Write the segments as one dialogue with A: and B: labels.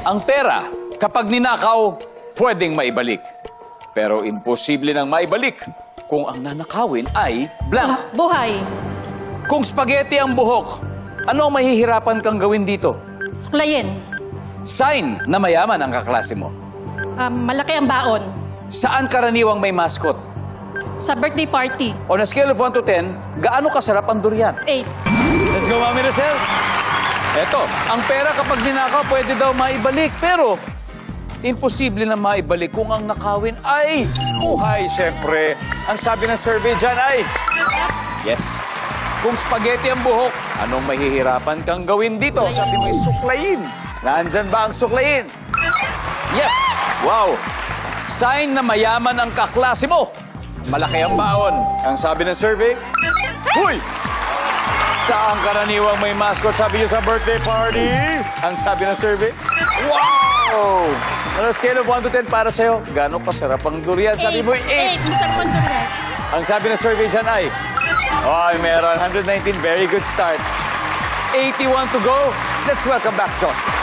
A: Ang pera, kapag ninakaw, pwedeng maibalik. Pero imposible nang maibalik kung ang nanakawin ay blank.
B: Buhay.
A: Kung spaghetti ang buhok, ano ang mahihirapan kang gawin dito?
B: Suklayin.
A: Sign na mayaman ang kaklase mo.
B: Malaki ang baon.
A: Saan karaniwang may mascot?
B: Sa birthday party.
A: On a scale of 1 to 10, gaano kasarap ang durian?
B: 8.
A: Let's go, Mami Rosel. Eto, ang pera kapag ninakaw, pwede daw maibalik. Pero, imposible na maibalik kung ang nakawin ay buhay, syempre. Ang sabi ng survey dyan ay, yes. Kung spaghetti ang buhok, anong mahihirapan kang gawin dito? Sabi mo, suklayin. Nandyan ba ang suklayin? Yes! Wow! Sign na mayaman ang kaklase mo. Malaki ang baon. Ang sabi ng survey, huy! Saan karaniwang may mascot? Sabi niyo sa birthday party. Ang sabi ng survey, wow! On a scale of 1 to 10 para sa'yo, gano'ng kasarap ang durian? Sabi mo, 8.
B: 8. Masarap ang durian.
A: Ang sabi ng survey dyan ay, meron 119, very good start. 81 to go. Let's welcome back Joshua.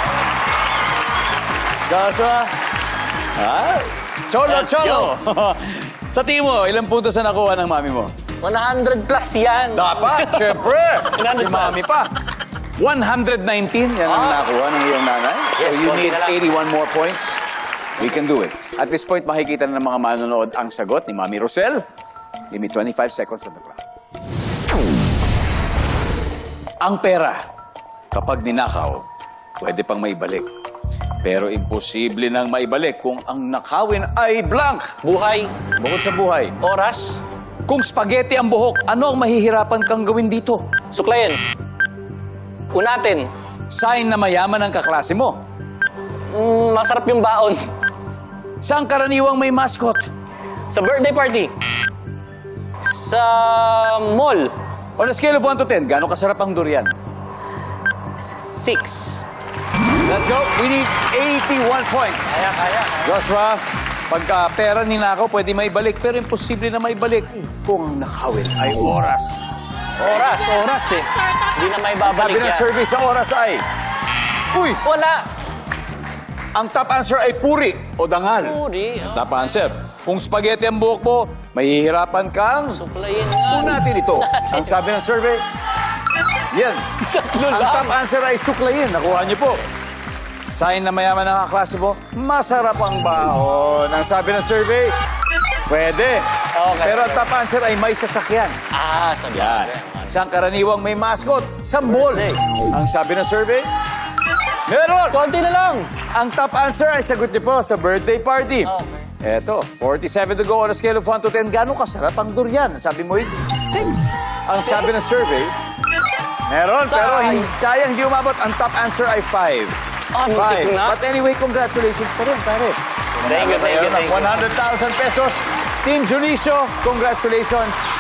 A: Joshua. Cholo,
C: Let's
A: Cholo. Sa tingin mo, ilang puntos na nakuha ng mami mo?
C: 100 plus yan.
A: Dapat, syempre.
C: 100
A: Si mami pa. 119, yan ang nakuha ng iyong nanay. So
C: Yes,
A: you
C: konti
A: need
C: na lang.
A: 81 more points. We can do it. At this point, makikita na ng mga manonood ang sagot ni Mami Rosel. Give me 25 seconds on the clock. Ang pera, kapag ninakaw, pwede pang maibalik. Pero imposible nang maibalik kung ang nakawin ay blank.
C: Buhay,
A: Bukod sa buhay.
C: oras,
A: Kung spaghetti ang buhok, ano ang mahihirapan kang gawin dito?
C: suklayin. Unatin.
A: Sign na mayaman ang kaklase mo.
C: Masarap yung baon.
A: Saan karaniwang may mascot?
C: Sa birthday party. Sa mall.
A: On a scale of 1 to 10, gaano kasarap ang durian?
C: 6.
A: Let's go. We need 81 points.
C: Kaya.
A: Joshua, pagka pera ninakaw, pwede maibalik. Pero imposible na maibalik kung ang nakawin ay oras.
C: Oras eh. Hindi na may babalik
A: Sabi ng
C: yan.
A: survey sa oras ay, uy,
C: Wala.
A: ang top answer ay puri o dangal.
C: Puri. Oh.
A: Top answer. Kung spaghetti ang buhok mo, mahihirapan kang...
C: Suklayin nga.
A: Natin ito. Ang sabi ng survey, yan.
C: Tatlo
A: Ang
C: lang.
A: top answer ay suklayin. Nakuha niyo po. Sign na mayaman ng kaklase mo, masarap ang baon. Ang sabi ng survey, pwede.
C: Okay.
A: Pero ang top answer ay may sasakyan.
C: Sa
A: Yan. Isang karaniwang may mascot, sambol. Ang sabi ng survey, meron.
C: Konti na lang.
A: Ang top answer ay sagot niyo po sa birthday party.
C: Okay.
A: Eto, 47 to go on a scale of 1 to 10. Gano'ng kasarap ang durian? Sabi mo, 6. Ang sabi ng survey, meron, pero sayang hindi umabot. Ang top answer ay 5.
C: Muntik na.
A: But anyway, congratulations pa rin, pare.
C: Thank you.
A: 100,000 pesos. Team Junicio, congratulations.